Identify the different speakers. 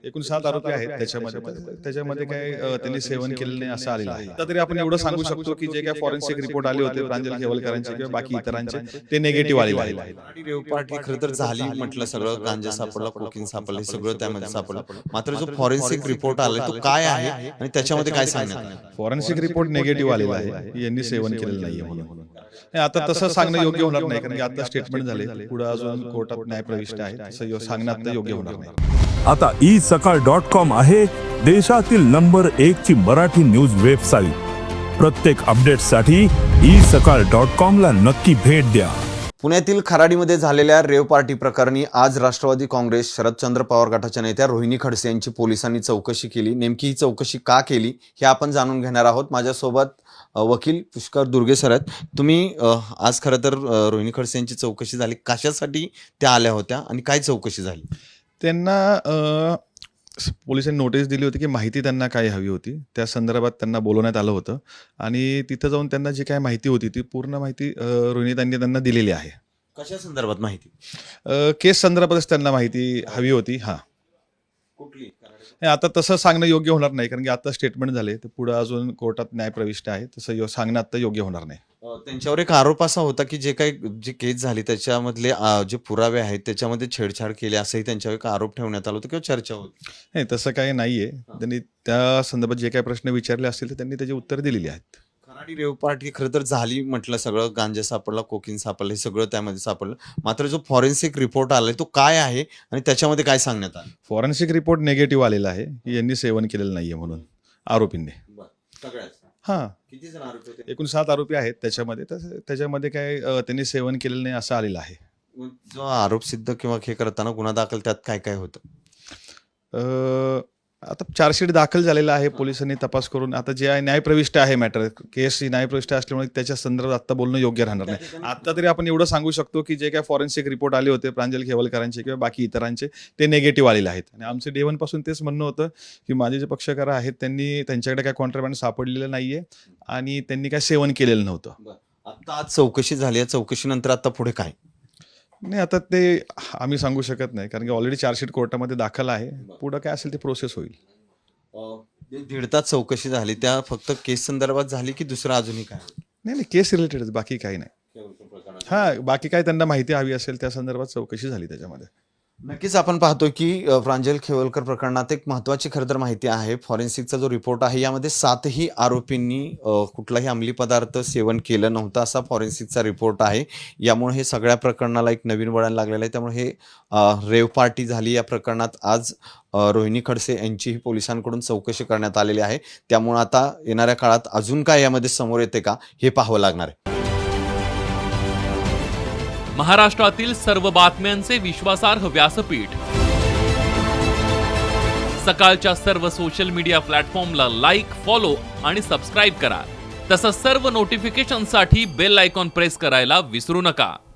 Speaker 1: एकूण 7 आरोपी आहेत त्याच्यामध्ये काय त्यांनी सेवन केलेलं नाही असं आलेलं आहे. आता तरी आपण एवढं सांगू शकतो की जे काही फॉरेन्सिक रिपोर्ट आले होते प्रांजल खेवलकरांचे किंवा बाकी इतरांचे ते निगेटिव्ह आलेले आहेत.
Speaker 2: आणि रेव पार्टी खरं तर झाली म्हटलं, सगळं गांजा सापडला, कोकीन सापडलं, हे सगळं त्यामध्ये सापडलं. मात्र जो फॉरेन्सिक रिपोर्ट आला तो काय आहे आणि त्याच्यामध्ये काय सांगण्यात आलं?
Speaker 1: फॉरेन्सिक रिपोर्ट निगेटिव्ह आलेला आहे, यांनी सेवन केलेलं नाहीये म्हणून. आता तसं सांगणं योग्य होणार नाही, कारण की आता स्टेटमेंट झाले, पुढे अजून कोर्टात न्याय प्रविष्ट आहे, तसं सांगणं आता योग्य होणार नाही.
Speaker 3: आता isakal.com आहे देशातील नंबर 1 ची मराठी न्यूज वेबसाईट. प्रत्येक अपडेटसाठी isakal.com ला नक्की भेट द्या.
Speaker 2: पुण्यातील खराडीमध्ये झालेल्या रेव पार्टी प्रकरणी आज राष्ट्रवादी काँग्रेस शरदचंद्र पवार गटाच्या नेत्या रोहिणी खडसे यांची पोलिसांनी चौकशी केली. नेमकी ही चौकशी का केली हे आपण जाणून घेणार आहोत. माझ्यासोबत वकील पुष्कर दुर्गे सर आहेत. तुम्ही आज खरं तर रोहिणी खडसे यांची चौकशी झाली, कशासाठी त्या आल्या होत्या आणि काय चौकशी झाली?
Speaker 1: त्यांना पोलिसांनी नोटीस दिली होती की माहिती त्यांना काय हवी होती, त्या संदर्भात त्यांना बोलवण्यात आलं होतं आणि तिथं जाऊन त्यांना जी काय माहिती होती ती पूर्ण माहिती रोहिणीतांनी त्यांना दिलेली आहे.
Speaker 2: कशा संदर्भात माहिती?
Speaker 1: केस संदर्भातच त्यांना माहिती हवी होती. हां,
Speaker 2: कुठली?
Speaker 1: आता तसं सांगणं योग्य होणार नाही, कारण की आता स्टेटमेंट झाले, तर पुढे अजून कोर्टात न्याय प्रविष्ट आहे, तसं सांगणं आता योग्य होणार नाही.
Speaker 2: त्यांच्यावर एक आरोप असा होता की जे केस झाली त्याच्यामधले जे पुरावे आहेत त्याच्यामध्ये छेडछाड केली असंही त्यांच्यावर एक आरोप ठेवण्यात आला होता किंवा चर्चा होती.
Speaker 1: नाही, तसं काही नाहीये. त्यांनी त्या संदर्भात जे काही प्रश्न विचारले असतील तर त्यांनी त्याची उत्तर दिलेली आहेत.
Speaker 2: खराडी रेव पार्टी खरं तर झाली म्हटलं, सगळं गांजा सापडला, कोकीन सापडलं, हे सगळं त्यामध्ये सापडलं. मात्र जो फॉरेन्सिक रिपोर्ट आलाय तो काय आहे आणि त्याच्यामध्ये काय सांगण्यात आलं?
Speaker 1: फॉरेन्सिक रिपोर्ट निगेटिव्ह आलेला आहे की यांनी सेवन केलेलं नाहीये म्हणून आरोपींनी. हां,
Speaker 2: किती जण आरोपी होते?
Speaker 1: एकूण 7 आरोपी आहेत त्याच्यामध्ये काय त्यांनी सेवन केलेलं नाही असं आलेलं आहे.
Speaker 2: जो आरोप सिद्ध किंवा हे करताना गुन्हा दाखल त्यात काय काय होतं?
Speaker 1: आता चार्जशीट दाखल झालेला आहे, पोलिसांनी तपास करून आता जे आहे न्यायप्रविष्ट आहे मॅटर, केस न्यायप्रविष्ट असल्यामुळे त्याच्या संदर्भात आता बोलणं योग्य राहणार नाही. आता तरी आपण एवढं सांगू शकतो की जे काय फॉरेन्सिक रिपोर्ट आले होते प्रांजल खेवलकरांचे किंवा बाकी इतरांचे ते निगेटिव्ह आलेले आहेत. आणि आमचं डे 1 पासून तेच म्हणणं होतं की माझे जे पक्षकार आहेत त्यांच्याकडे काय कॉन्ट्राबँड सापडलेलं नाहीये आणि त्यांनी काय सेवन केलेलं नव्हतं.
Speaker 2: आता आज चौकशी झाली, या चौकशीनंतर आता पुढे काय?
Speaker 1: नाही, आता ते आम्ही सांगू शकत नाही, कारण की ऑलरेडी चार्जशीट कोर्टामध्ये दाखल आहे. पुढं काय असेल ते प्रोसेस होईल.
Speaker 2: 1.5 तास चौकशी झाली, त्या फक्त केस संदर्भात झाली की दुसरं अजूनही काय?
Speaker 1: नाही, केस रिलेटेड, बाकी काही नाही. हां, बाकी काय त्यांना माहिती हवी असेल त्या संदर्भात चौकशी झाली त्याच्यामध्ये.
Speaker 2: नक्कीच आपण पाहतोय की प्रांजल खेवलकर प्रकरणात एक महत्त्वाची खरं तर माहिती आहे. फॉरेन्सिकचा जो रिपोर्ट आहे यामध्ये 7ही आरोपींनी कुठलाही अंमली पदार्थ सेवन केलं नव्हतं असा फॉरेन्सिकचा रिपोर्ट आहे. यामुळे हे सगळ्या प्रकरणाला एक नवीन वळण लागलेलं आहे. त्यामुळे हे रेव पार्टी झाली या प्रकरणात आज रोहिणी खडसे यांचीही पोलिसांकडून चौकशी करण्यात आलेली आहे. त्यामुळे आता येणाऱ्या काळात अजून काय यामध्ये समोर येते का हे पाहावं लागणार आहे.
Speaker 4: महाराष्ट्रातील सर्व बातम्यांचे विश्वासार्ह व्यासपीठ, सकाळच्या सर्व सोशल मीडिया प्लॅटफॉर्मला लाईक, फॉलो आणि सबस्क्राईब करा. तसंच सर्व नोटिफिकेशनसाठी बेल आयकॉन प्रेस करायला विसरू नका.